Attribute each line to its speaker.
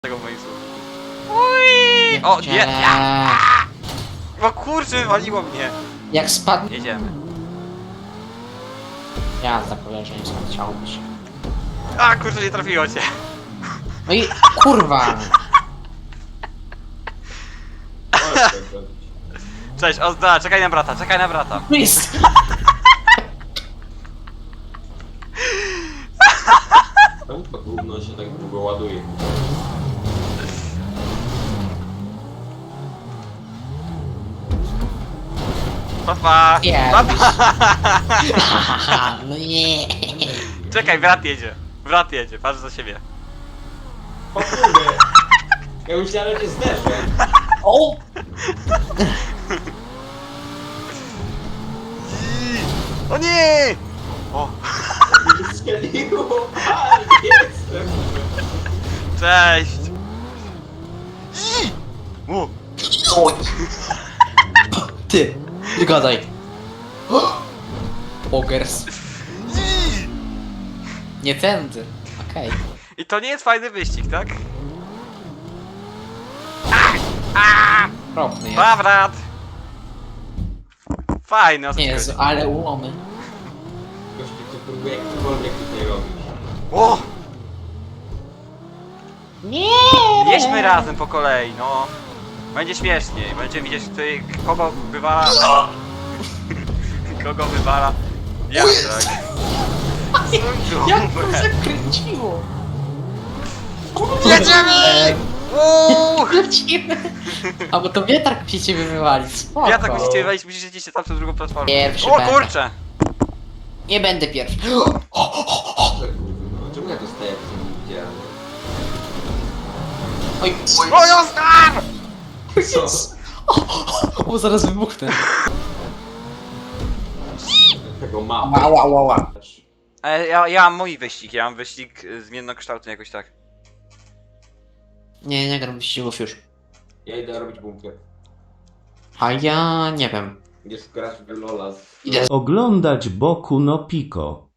Speaker 1: tego w moim słówku. Ui! O, nie! Ja! O kurczę, wywaliło mnie!
Speaker 2: Jak spadnie...
Speaker 1: Jedziemy.
Speaker 2: Jazda, koleżeńska, chciałbyś.
Speaker 1: A kurczę, nie trafiło cię.
Speaker 2: No i kurwa!
Speaker 1: Cześć, Ozda, czekaj na brata, czekaj na brata.
Speaker 2: Jest!
Speaker 3: Czemu to gówno się tak długo ładuje?
Speaker 1: Papa!
Speaker 2: Nie.
Speaker 1: Papa!
Speaker 2: Haha, no nie!
Speaker 1: Czekaj, brat jedzie. Brat jedzie, patrz za siebie.
Speaker 3: O kurde! Ja myślałem, że zderzę.
Speaker 2: O!
Speaker 1: O nie! O,
Speaker 3: Strzeliło! A, jestem!
Speaker 1: cześć! O,
Speaker 2: Oj! Ty! Nie gadaj! Pogers. Nie tędy. Okej.
Speaker 1: I to nie jest fajny wyścig, tak?
Speaker 2: Propny jest.
Speaker 1: Pa, brat! Fajny, o co ci
Speaker 2: Jezu,
Speaker 1: chodzi?
Speaker 2: ale ułomy.
Speaker 3: Gościu, ty próbuje jakkolwiek tutaj robić.
Speaker 1: O!
Speaker 2: Nie!
Speaker 1: Jedźmy razem po kolei, no. Będzie śmieszniej, będziemy widzieć, tutaj kogo wywala... Kogo wywala... Ja, tak.
Speaker 2: Jak to zakręciło?
Speaker 1: Jedziemy! Uuu!
Speaker 2: Lecimy! A bo to wiatrak musi ciebie wywalić, spoko.
Speaker 1: Ja tak musicie wejść, musicie iść tam przez drugą platformę.
Speaker 2: Pierwszy
Speaker 1: O
Speaker 2: będę.
Speaker 1: kurczę!
Speaker 2: Nie będę pierwszy.
Speaker 3: Co gówno? Czemu ja dostaję w tym widziałem?
Speaker 2: Oj,
Speaker 1: O, Oskar!
Speaker 3: Co?
Speaker 2: o, zaraz wybuchnę.
Speaker 3: Tego mapa.
Speaker 2: Ała, ała, ała.
Speaker 1: Ja mam mój wyścig, ja mam wyścig zmiennokształtny jakoś tak.
Speaker 2: Nie gram wyścigów już.
Speaker 3: Ja idę robić bunkier.
Speaker 2: A ja nie wiem.
Speaker 3: Idziesz grać w Lola z...
Speaker 2: Idę.
Speaker 4: Oglądać Boku no Pico.